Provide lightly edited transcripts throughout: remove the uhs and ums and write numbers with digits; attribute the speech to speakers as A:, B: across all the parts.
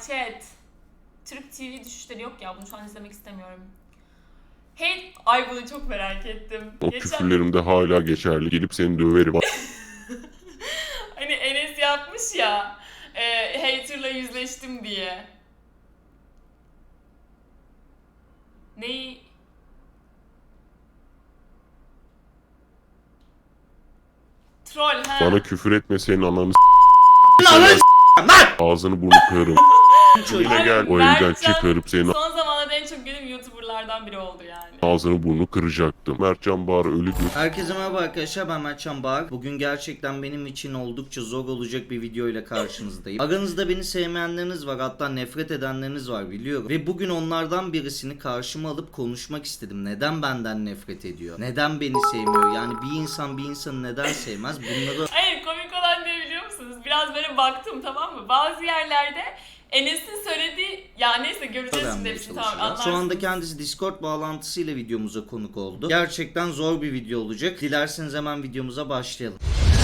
A: chat. Türk TV düşüşleri yok ya, bunu şu an izlemek istemiyorum. Hey, ay bunu çok merak ettim.
B: O küfürlerim de hala geçerli. Gelip seni döverim.
A: Hani Enes yapmış ya, hater'la yüzleştim diye. Neyi? Troll ha.
B: Bana küfür etme, senin ananı
C: Lan
B: ağzını burnunu kırarım. Yine gel, o evden
A: Mertcan
B: çıkarıp senin
A: son zamanlarda en çok gördüğüm YouTuber'lardan biri oldu yani.
B: ağzını burnunu kıracaktım. Mertcan Bahar ölüdür.
C: Herkese merhaba arkadaşlar, ben Mertcan Bahar. Bugün gerçekten benim için oldukça zor olacak bir video ile karşınızdayım. Aranızda beni sevmeyenleriniz var, hatta nefret edenleriniz var biliyorum. Ve bugün onlardan birisini karşıma alıp konuşmak istedim. Neden benden nefret ediyor? Neden beni sevmiyor? Yani bir insan bir insanı neden sevmez? Bunları...
A: Hayır, komik olan ne biliyor musunuz? Biraz böyle baktım, tamam mı? Bazı yerlerde Enes'in söylediği, ya neyse göreceğiz şimdi hepsini, tamam anlarsınız.
C: Şu anda kendisi Discord bağlantısıyla videomuza konuk oldu. Gerçekten zor bir video olacak. Dilerseniz hemen videomuza başlayalım.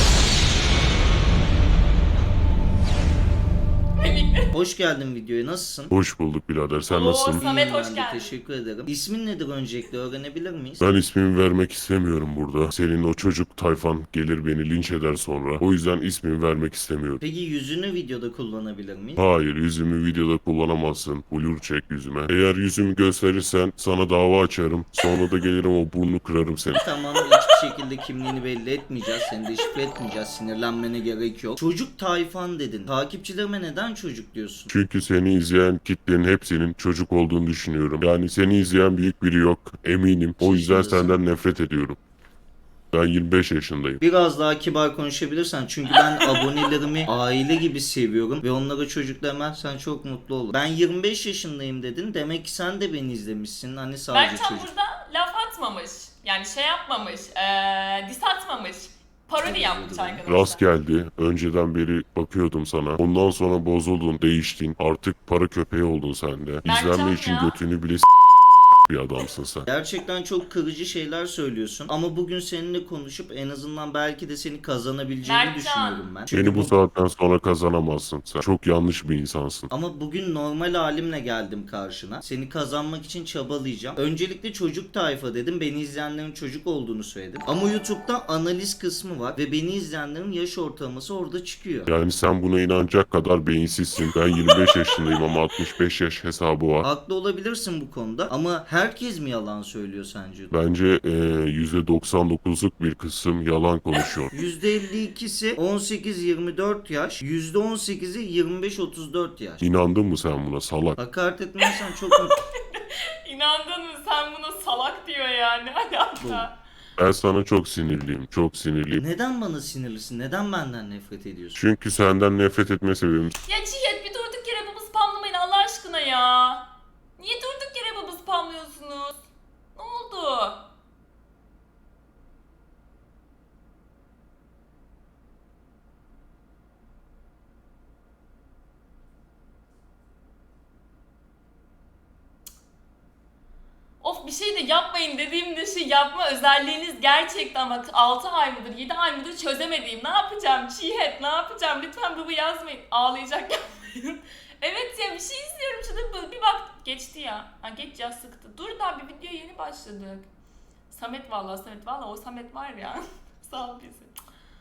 C: Hoş geldin videoya, nasılsın?
B: Hoş bulduk birader, sen
A: Oo,
B: nasılsın?
A: Samet,
C: İyiyim
A: hoş
C: ben de,
A: geldin.
C: teşekkür ederim. İsmin nedir öncelikle öğrenebilir miyiz?
B: Ben ismimi vermek istemiyorum burada. Senin o çocuk tayfan gelir beni linç eder sonra. O yüzden ismimi vermek istemiyorum.
C: Peki yüzünü videoda kullanabilir miyiz?
B: Hayır, yüzümü videoda kullanamazsın. Blur çek yüzüme. Eğer yüzümü gösterirsen sana dava açarım. Sonra da gelirim o burnunu kırarım seni.
C: Tamam, hiçbir şekilde kimliğini belli etmeyeceğiz. Seni de şifre etmeyeceğiz. Sinirlenmene gerek yok. Çocuk tayfan dedin. Takipçilerime neden çocuk diyorsun?
B: Çünkü seni izleyen kitlenin hepsinin çocuk olduğunu düşünüyorum. Yani seni izleyen büyük biri yok. Eminim. O yüzden
C: Yaşındasın.
B: senden nefret ediyorum. Ben 25 yaşındayım.
C: Biraz daha kibar konuşabilirsen, çünkü ben abonelerimi aile gibi seviyorum ve onlara çocuk demezsen çok mutlu olurum. Ben 25 yaşındayım dedin, demek ki sen de beni izlemişsin, hani sadece
A: Berkcan
C: çocuk.
A: burada laf atmamış. Yani şey yapmamış, diss atmamış. Parodi yapmış arkadaşlar.
B: Rast geldi. Önceden beri bakıyordum sana. Ondan sonra bozuldun, değiştin. Artık para köpeği oldun sen de.
A: Mertcan
B: İzlenme için
A: ya.
B: götünü bile bir adamsın sen.
C: Gerçekten çok kırıcı şeyler söylüyorsun ama bugün seninle konuşup en azından belki de seni kazanabileceğimi
A: Mertcan.
C: düşünüyorum ben. Çünkü
B: Beni bu saatten sonra kazanamazsın sen. Çok yanlış bir insansın.
C: Ama bugün normal halimle geldim karşına. Seni kazanmak için çabalayacağım. Öncelikle çocuk tayfa dedim. Beni izleyenlerin çocuk olduğunu söyledim. Ama YouTube'da analiz kısmı var ve beni izleyenlerin yaş ortalaması orada çıkıyor.
B: Yani sen buna inanacak kadar beyinsizsin. Ben 25 yaşındayım ama 65 yaş hesabı var.
C: Haklı olabilirsin bu konuda ama herkes mi yalan söylüyor sence?
B: Bence %99'luk bir kısım yalan konuşuyor.
C: %52'si 18-24 yaş, %18'i 25-34 yaş.
B: İnandın mı sen buna salak?
C: Hakaret etmezsen çok mutlu.
A: İnandın mı? Sen buna salak diyor yani. Ne alaka?
B: Ben sana çok sinirliyim. Çok sinirliyim.
C: Neden bana sinirlisin? Neden benden nefret ediyorsun?
B: Çünkü senden nefret etme sebebim
A: Ya Cihet, bir durduk yere baba spamlamayın Allah aşkına ya. Niye durduk yere baba spamlıyorsunuz? Ne oldu? Of, bir şey de yapmayın dediğimde şey yapma özelliğiniz gerçekten bak 6 ay mıdır 7 ay mıdır çözemediğim. Ne yapacağım Çiğhet, ne yapacağım, lütfen baba yazmayın, ağlayacak yapmayın. Evet ya, bir şey izliyorum şurada bir bak geçti ya. Ha geç ya, sıktı. Dur daha bir video yeni başladık. Samet vallahi o Samet var ya. Sağ ol bizi.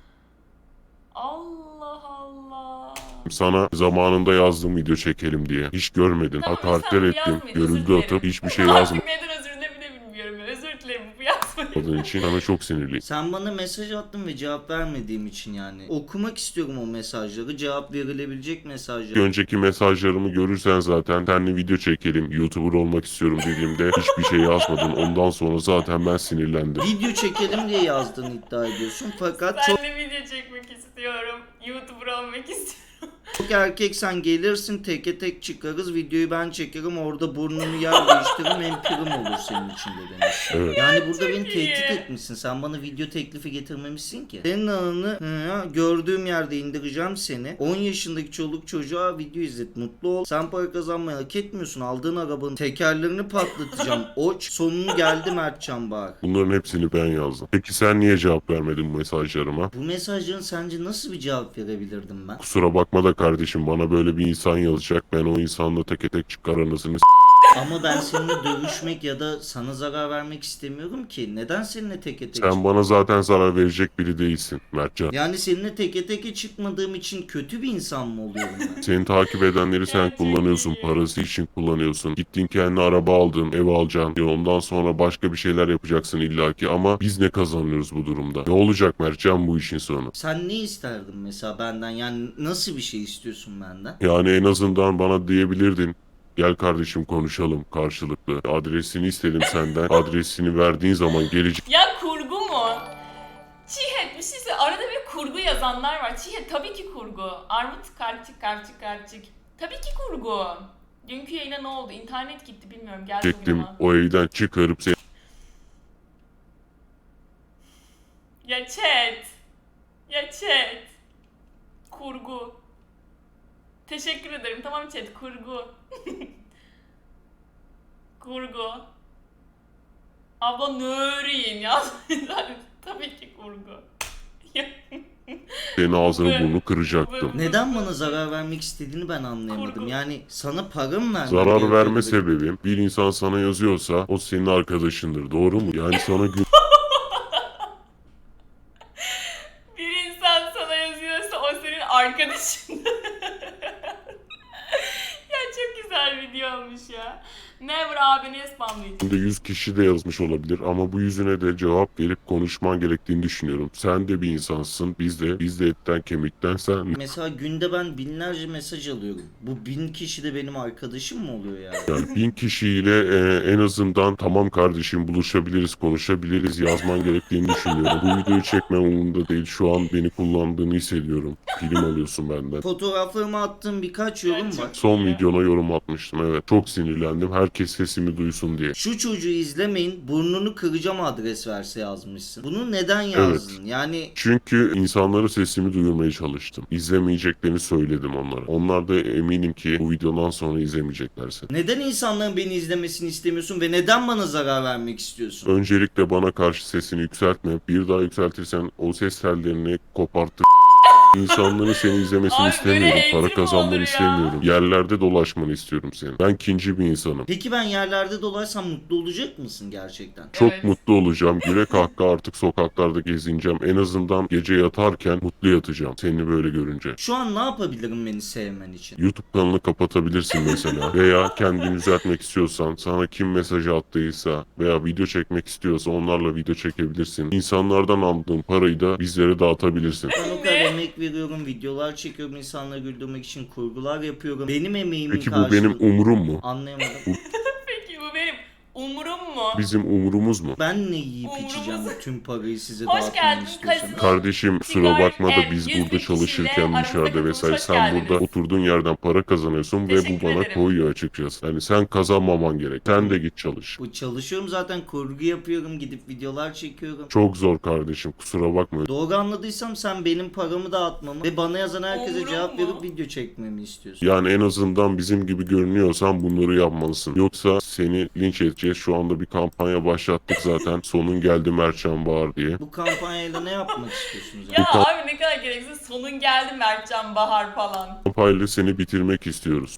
A: Allah Allah.
B: sana zamanında yazdığım video çekelim diye. Hiç görmedin.
A: Tamam,
B: Hakaretler
A: lütfen
B: ettim.
A: yazmayın, özür
B: Görüldü
A: dilerim.
B: atıp hiçbir şey
A: Artık neden özür dilerim bile bilmiyorum. Özür dilerim, bu yazmayın.
B: yazmadığın için sana çok sinirliyim.
C: Sen bana mesaj attın ve cevap vermediğim için yani. Okumak istiyorum o mesajları. Cevap verilebilecek mesajları.
B: Önceki mesajlarımı görürsen zaten seninle video çekelim, YouTuber olmak istiyorum dediğimde hiçbir şey yazmadın. Ondan sonra zaten ben sinirlendim.
C: Video çekelim diye yazdığını iddia ediyorsun. Fakat çok
A: Ben de video çekmek istiyorum. YouTuber olmak istiyorum.
C: erkeksen gelirsin, teke tek çıkarız. Videoyu ben çekerim, orada burnunu yer değiştiririm. Hem prim olur senin için de demiş.
B: Evet.
C: Yani burada beni
A: iyi.
C: tehdit etmişsin. Sen bana video teklifi getirmemişsin ki. Senin anını gördüğüm yerde indireceğim seni. 10 yaşındaki çoluk çocuğa video izlet. Mutlu ol. Sen para kazanmayı hak etmiyorsun. Aldığın arabanın tekerlerini patlatacağım. Oç. Sonunu geldi Mertcan Bahar.
B: Bunların hepsini ben yazdım. Peki sen niye cevap vermedin bu mesajlarıma?
C: Bu mesajların sence nasıl bir cevap verebilirdim ben?
B: Kusura bakma da kardeşim bana böyle bir insan yazacak. Ben o insanla teke tek çıkar anasını
C: Ama ben seninle dövüşmek ya da sana zarar vermek istemiyorum ki. Neden seninle teke tek
B: Sen bana zaten zarar verecek biri değilsin Mertcan.
C: Yani seninle teke teke çıkmadığım için kötü bir insan mı oluyorum ben?
B: Seni takip edenleri sen
A: Gerçekten
B: kullanıyorsun.
A: iyi.
B: Parası için kullanıyorsun. Gittin kendine araba aldın, ev alacaksın. Ondan sonra başka bir şeyler yapacaksın illaki. Ama biz ne kazanıyoruz bu durumda? Ne olacak Mertcan bu işin sonu?
C: Sen ne isterdin mesela benden? Yani nasıl bir şey istiyorsun benden?
B: Yani en azından bana diyebilirdin. Gel kardeşim konuşalım karşılıklı. Adresini istedim senden. Adresini verdiğin zaman gelecek.
A: Ya kurgu mu? Çiğhet bir şey söyle. Arada bir kurgu yazanlar var. Çiğhet tabii ki kurgu. Armut karçık. Tabii ki kurgu. Dünkü yayına ne oldu? İnternet gitti bilmiyorum. Gel bugün
B: Çektim
A: ama.
B: o evden çıkarıp seni
A: Ya chat. Ya chat. Kurgu. Teşekkür ederim. Tamam chat. Kurgu. Kurgu. Abla nöreyin ya. Tabii ki kurgu.
B: senin ağzını
A: Bu-
B: burnunu kıracaktım.
C: Neden bana zarar vermek istediğini ben anlayamadım.
A: Kurgu.
C: Yani sana para mı vermem
B: Zarar
C: gerekiyordu
B: verme
C: benim?
B: sebebim bir insan sana yazıyorsa o senin arkadaşındır. Doğru mu? Yani sana
A: Bir insan sana yazıyorsa o senin arkadaşın. Ya çok güzel video olmuş ya. Never abini spamlayacağım.
B: günde 100 kişi de yazmış olabilir ama bu yüzüne de cevap verip konuşman gerektiğini düşünüyorum. Sen de bir insansın. Biz de etten kemikten sen.
C: Mesela günde ben binlerce mesaj alıyorum. Bu 1000 kişi de benim arkadaşım mı oluyor yani?
B: Yani 1000 kişiyle en azından tamam kardeşim buluşabiliriz, konuşabiliriz yazman gerektiğini düşünüyorum. Bu videoyu çekmem umurumda değil. Şu an beni kullandığını hissediyorum. Film alıyorsun benden.
C: Fotoğraflarıma attığım birkaç yorum var.
B: Son videona yorum atmıştım evet. Çok sinirlendim. Herkes sesimi duysun diye.
C: Şu çocuğu izlemeyin, burnunu kıracağım adres verse yazmışsın. Bunu neden yazdın? Yani
B: Çünkü insanlara sesimi duyurmaya çalıştım. İzlemeyeceklerini söyledim onlara. Onlar da eminim ki bu videodan sonra izlemeyecekler seni.
C: neden insanların beni izlemesini istemiyorsun ve neden bana zarar vermek istiyorsun?
B: Öncelikle bana karşı sesini yükseltme. Bir daha yükseltirsen o ses tellerini kopartır. İnsanların seni izlemesini
A: Abi
B: istemiyorum.
A: böyle
B: Para
A: hater mi olur
B: kazanmanı
A: ya?
B: istemiyorum. Yerlerde dolaşmanı istiyorum senin. Ben ikinci bir insanım.
C: Peki ben yerlerde dolarsam mutlu olacak mısın gerçekten?
B: Çok
A: Evet.
B: mutlu olacağım. Güle kahkaha artık sokaklarda gezineceğim. En azından gece yatarken mutlu yatacağım. Seni böyle görünce.
C: Şu an ne yapabilirim beni sevmen için?
B: YouTube kanalını kapatabilirsin mesela. Veya kendini düzeltmek istiyorsan, sana kim mesaj attıysa veya video çekmek istiyorsa onlarla video çekebilirsin. İnsanlardan aldığın parayı da bizlere dağıtabilirsin.
C: Ben o kadar emek veriyorum, videolar çekiyorum, insanları güldürmek için kurgular yapıyorum. Benim emeğimin
B: Peki bu benim umurum mu?
C: Anlayamadım.
A: Peki bu benim umurum mu?
B: Bizim umurumuz mu?
C: Ben ne yiyip
A: Umurumuz-
C: içeceğim tüm parayı size
A: Hoş
C: dağıtmamı
A: geldin,
C: istiyorsanız?
A: kasino.
B: Kardeşim kusura
A: Sigar,
B: bakma da biz
A: 100 bin
B: burada çalışırken
A: kişiyle
B: dışarıda
A: aramızdaki
B: vesaire
A: hoş
B: sen
A: geldiniz.
B: burada oturduğun yerden para kazanıyorsun ve bu
A: Teşekkür
B: bana
A: ederim.
B: koyuyor açıkçası. Yani sen kazanmaman gerek. Sen de git çalış.
C: Bu çalışıyorum zaten, kurgu yapıyorum, gidip videolar çekiyorum.
B: Çok zor kardeşim kusura bakma.
C: Doğru anladıysam sen benim paramı dağıtmamı ve bana yazan herkese
A: Umurum
C: cevap
A: mu?
C: verip video çekmemi istiyorsun.
B: Yani en azından bizim gibi görünüyorsan bunları yapmalısın. Yoksa seni linç edeceğiz. Şu anda bir kampanya başlattık zaten. Sonun geldi Mertcan Bahar diye.
C: Bu kampanyayla ne yapmak istiyorsunuz?
A: Ya abi ne kadar gereksiz. Sonun geldi Mertcan Bahar falan.
B: Kampanyayla seni bitirmek istiyoruz.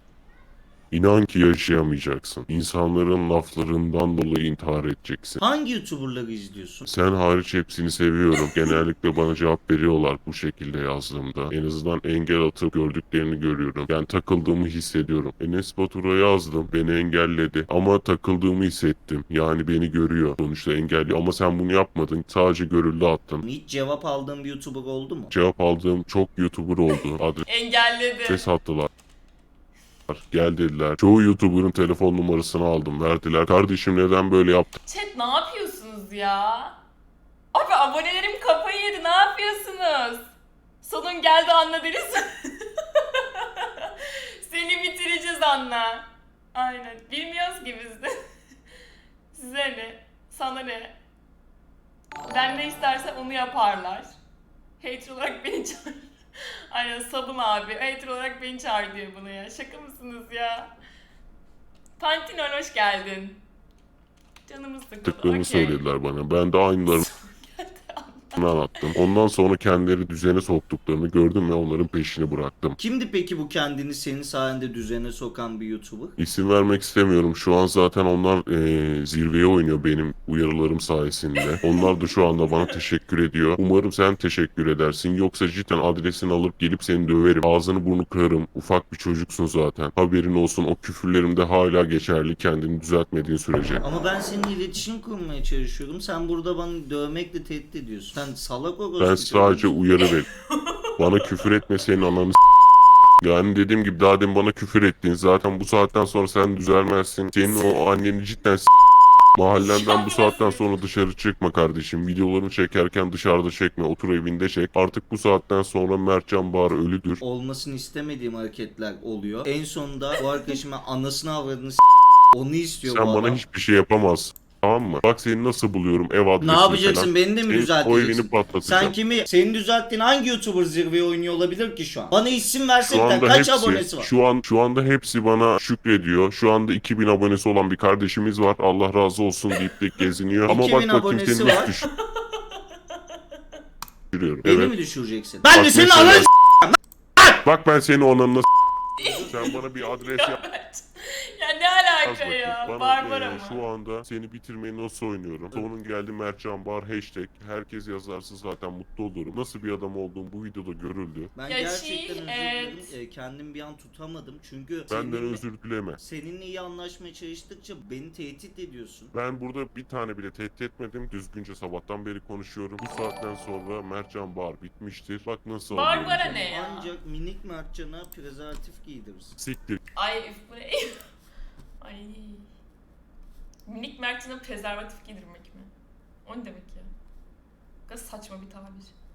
B: İnan ki yaşayamayacaksın. İnsanların laflarından dolayı intihar edeceksin.
C: Hangi YouTuber'ları izliyorsun?
B: Sen hariç hepsini seviyorum. Genellikle bana cevap veriyorlar bu şekilde yazdığımda. En azından engel atıp gördüklerini görüyorum. Yani takıldığımı hissediyorum. Enes Batur'a yazdım. Beni engelledi. Ama takıldığımı hissettim. Yani beni görüyor. Sonuçta engelliyor. Ama sen bunu yapmadın. Sadece görüldü attın.
C: Hiç cevap aldığım bir YouTuber oldu mu?
B: Cevap aldığım çok YouTuber oldu.
A: Engelledi.
B: Adres attılar. Gel dediler. Çoğu YouTuber'ın telefon numarasını aldım. Verdiler. Kardeşim neden böyle yaptın?
A: Chat ne yapıyorsunuz ya? Abi abonelerim kafayı yedi. Ne yapıyorsunuz? Sonun geldi Anna Deniz. Seni bitireceğiz Anna. Aynen. Bilmiyoruz ki biz de. Size ne? Sana ne? Ben ne istersem onu yaparlar. Hater olarak beni çağır. Aynen sabun abi. Hater olarak beni çağır diyor buna ya. Şaka mısınız ya? Pantinol hoş geldin. Canımız sıkıldı.
B: Tıklarını
A: okey.
B: söylediler bana. Ben de aynılarını anlattım. Ondan sonra kendileri düzene soktuklarını gördüm ve onların peşini bıraktım.
C: Kimdi peki bu kendini senin sayende düzene sokan bir YouTuber?
B: İsim vermek istemiyorum. Şu an zaten onlar zirveye oynuyor benim uyarılarım sayesinde. Onlar da şu anda bana teşekkür ediyor. Umarım sen teşekkür edersin. Yoksa cidden adresini alıp gelip seni döverim. Ağzını burnunu kırarım. Ufak bir çocuksun zaten. Haberin olsun, o küfürlerim de hala geçerli kendini düzeltmediğin sürece.
C: Ama ben seninle iletişim kurmaya çalışıyorum. Sen burada bana dövmekle tehdit ediyorsun. Sen salak orospu.
B: Ben sadece uyarı ver. Bana küfür etme, senin ananı yani dediğim gibi daha demin bana küfür ettin. Zaten bu saatten sonra sen düzelmezsin. Senin o anneni cidden mahallenden bu saatten sonra dışarı çıkma kardeşim. Videolarını çekerken dışarıda çekme. Otur evinde çek. Artık bu saatten sonra Mertcan Bahar ölüdür.
C: Olmasını istemediğim hareketler oluyor. En sonunda bu arkadaşıma anasını avradını onu istiyor
B: Sen
C: bu
B: bana
C: adam.
B: hiçbir şey yapamazsın. Tamam mı? Bak seni nasıl buluyorum, ev adresini
C: Ne yapacaksın?
B: falan.
C: Beni de mi
B: Senin o
C: düzelteceksin?
B: evini patlatacağım.
C: Sen kimi? Senin düzelttiğin hangi YouTuber zirveye oynuyor olabilir ki şu an? Bana isim
B: Şu
C: versene.
B: anda
C: Kaç
B: hepsi,
C: abonesi var?
B: şu anda hepsi bana şükrediyor. Şu anda 2000 abonesi olan bir kardeşimiz var. Allah razı olsun deyip de geziniyor. Ama
C: 2000
B: bak bakayım
C: abonesi
B: seni
C: var.
B: nasıl düşürüyorum.
C: Beni
B: Evet.
C: mi düşüreceksin? Ben de
B: Bak
C: senin
B: mesela-
C: ananı
B: Bak ben seni onunla sen bana bir adres yap.
A: Ya ne
B: Yaz
A: alaka
B: bakayım.
A: ya?
B: Bana
A: Barbar ama.
B: şu anda seni bitirmeyi nasıl oynuyorum? Sonun geldi Mertcan Bahar hashtag. Herkes yazarsa zaten mutlu olurum. Nasıl bir adam olduğum bu videoda görüldü.
C: Ben
A: Ya
C: gerçekten
A: şey,
C: özür
A: evet.
C: dilerim. Kendim bir an tutamadım. Çünkü
B: Benden özür dileme.
C: seninle iyi anlaşmaya çalıştıkça beni tehdit ediyorsun.
B: Ben burada bir tane bile tehdit etmedim. Düzgünce sabahtan beri konuşuyorum. Bu saatten sonra Mertcan Bahar bitmiştir. Bak nasıl
A: Barbara
B: oluyorum.
A: ne ya?
C: Ancak minik Mertcan'a prezervatif giydirirsin.
B: Siktir.
A: Ay üf bu ne? Ay. Minik Mert'ine prezervatif giydirmek mi? O ne demek ya? Ne kadar saçma bir tabir.